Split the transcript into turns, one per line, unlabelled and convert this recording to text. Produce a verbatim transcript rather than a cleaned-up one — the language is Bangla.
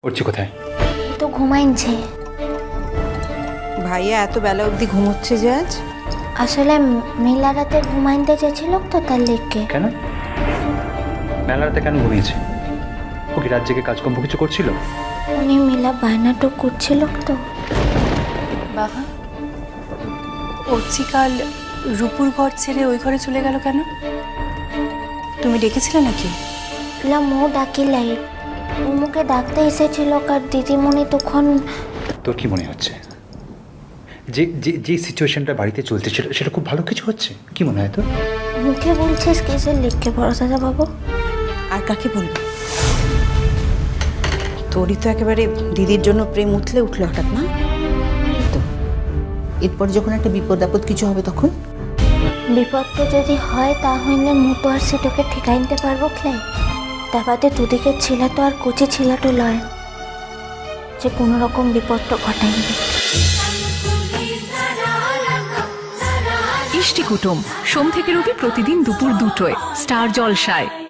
উঠছি কোথায়?
তো ঘুমাইছে।
ভাইয়া এত বেলা অবধি ঘুমোচ্ছে যে আজ?
আসলে মেলা রাতে ঘুমাইতে চেয়েছিল তো তার লেগে।
কেন মেলা রাতে কেন ঘুমিয়েছে? ও কি রাত জেগে কাজকর্ম কিছু করছিল?
উনি মেলা বায়নাটক করছিল তো।
বাবা, অর্চিকাল রূপুর ঘর ছেড়ে ওই ঘরে চলে গেল কেন? তুমি ডেকেছিলে নাকি?
লা মো ডাকিলাই, ও মুখে ডাকতে এসেছিল কার দিদিমণি তখন।
তোর কি মনে হচ্ছে যে যে যে সিচুয়েশনটা বাড়িতে চলছে সেটা সেটা খুব ভালো কিছু হচ্ছে? কি মনে হয় তোর?
মুখে বলছিস কিসের লিখকে ভরসা বাবু?
আর কাকে বলবো? তোরই তো একেবারে দিদির জন্য প্রেম উঠলে উঠলো হঠাৎ না?
তো এরপর যখন একটা বিপদ আপদ কিছু হবে তখন
বিপদটা যদি হয় তা হইলে মু তো আর সেটাকে ঠিকাইতে পারবো ক্লাই। তা বাদে দুদিকে ছিলা তো আর কচি ছিলাটো লয় যে কোনো রকম বিপদটা ঘটাইবে।
ইষ্টি কুটুম সোম থেকে রবি প্রতিদিন দুপুর দুটোয় স্টার জলসায়।